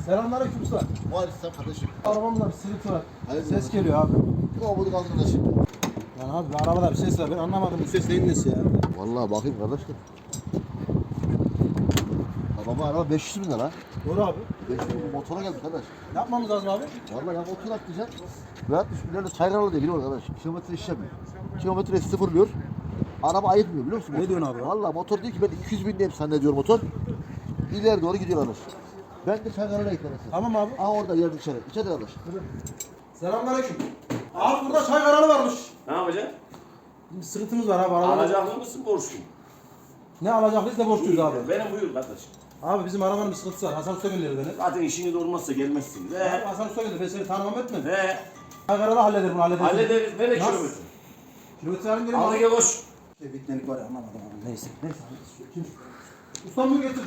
Selamünaleyküm usta. Var istem kardeşim. Arabamda bir sıkıntı var. Hayırdır Ses bakalım. geliyor abi. Kovboyduk arkadaşım. Yani abi arabada bir ses var. Ben anlamadım bu ses neyin nesi ya. Vallahi bakayım kardeşim. Baba araba 500 bin lira. Doğru abi. 500 bin motora geldi kardeş. Ne yapmamız lazım abi? Vallahi ya motor atlayacaksın. Ve 60 bin lira çayralı değil biliyor musun kardeş? Kilometre iş yapmıyor. Kilometre sıfırlıyor. Araba ayıtmıyor biliyor musun? Ne diyorsun abi? Vallahi motor diyor ki ben 200 bin diyeyim zannediyor motor. İleri doğru gidiyor kardeş. Ben de çayralıya eklemesin. Tamam abi. Aa orada yerdi içeri. İçeri kardeş. Selamünaleyküm. Abi burada çay kanalı varmış. Ne yapacaksın? Bir sıkıntımız var abi arabada. Alacaklı mısın borçlu? Ne alacaklıyız da borçluyuz abi. Benim buyur kardeşim. Abi bizim arabanın bir sıkıntısı var. Hasan Usta gönderdi beni. Zaten işini de olmazsa gelmezsin. Abi Ve Hasan Usta gönderdi. Ben seni tanımam etmedim. ve Çay kanalı halleder bunu halleder. hallederiz. Nereye Nasıl? kilometre? Kilometre alayım gelin Al abi. gel koş. Bitmelik var ya anlamadım abi. Neyse. Neyse. Kim? Ustam bunu getirdim.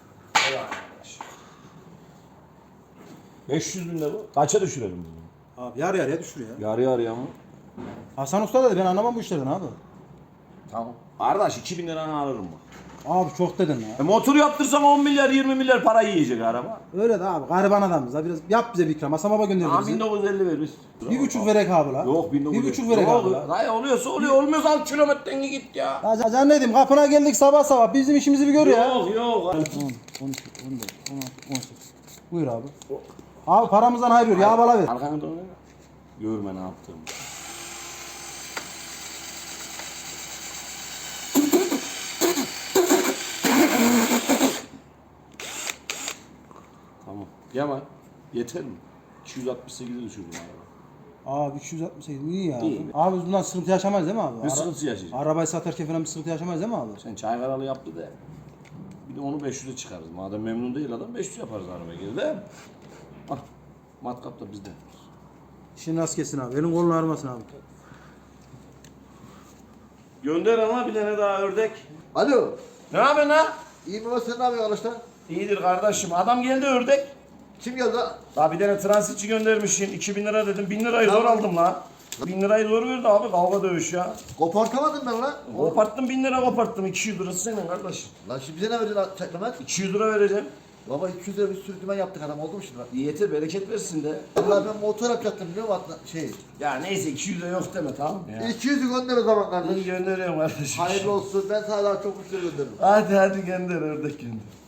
500 bin lira bu. Kaça düşürelim bunu? Abi yarı yarıya düşür ya. Yarı yarıya mı? Hasan Usta dedi ben anlamam bu işlerden abi. Tamam. Kardeş 2000 liranı alırım bak. Abi çok dedin ya. Motor yaptırsam 10 milyar 20 milyar para yiyecek araba. Öyle de abi gariban adamız da biraz yap bize bir ikram. Hasan Baba gönderdi Tamam bizi. 1950 veririz. Bir buçuk verek abi la. Yok 1950. Bir buçuk verek Yok, abi la. Dayı oluyorsa oluyor. Olmuyorsa al kilometreni git ya. Ya can ne diyeyim kapına geldik sabah sabah bizim işimizi bir gör ya. Yok yok. 10, 12, 14, 16, 18. Buyur abi. Abi paramızdan hayır ya bala ver. Arkanı dön. Görme ne yaptığımı. Tamam. Yaman. Yeter mi? 268'e düşürdüm araba. Abi 368 iyi ya. İyi. Abi biz bundan sıkıntı yaşamayız değil mi abi? Ne sıkıntı yaşayacağız? Arabayı satarken falan bir sıkıntı yaşamayız değil mi abi? Sen çay karalı yaptı da. Bir de onu 500'e çıkarız. Madem memnun değil adam 500 yaparız arabaya geri de. Ah. Matkap da bizde. İşin rast kesin abi. Elin kolun ağrımasın abi. Gönder ama bir tane daha ördek. Alo. Ne yapıyorsun ha? İyi mi var sen ne yapıyorsun arkadaşlar? İyidir kardeşim. Adam geldi ördek. Kim geldi lan? Daha bir tane transitçi göndermişsin. 2000 lira dedim. 1000 lirayı zor aldım la. 1000 lirayı zor verdi abi. Kavga dövüş ya. Kopartamadın ben lan. Koparttım 1000 lira koparttım. 200 lirası senin kardeşim. Lan şimdi bize ne vereceksin çeklemet? 200 lira vereceğim. Baba 200 lira bir sürü dümen yaptık adam oldu mu şimdi? İyi yeter bereket versin de. Vallahi ben motor yapacaktım biliyor musun? Şey. Ya neyse 200 lira yok deme tamam mı ya? 200'ü gönder o zaman kardeş. İyi gönderiyorum kardeşim. Hayırlı olsun. Ben sana daha çok müşteri gönderirim. Hadi hadi gönder ördek gönder.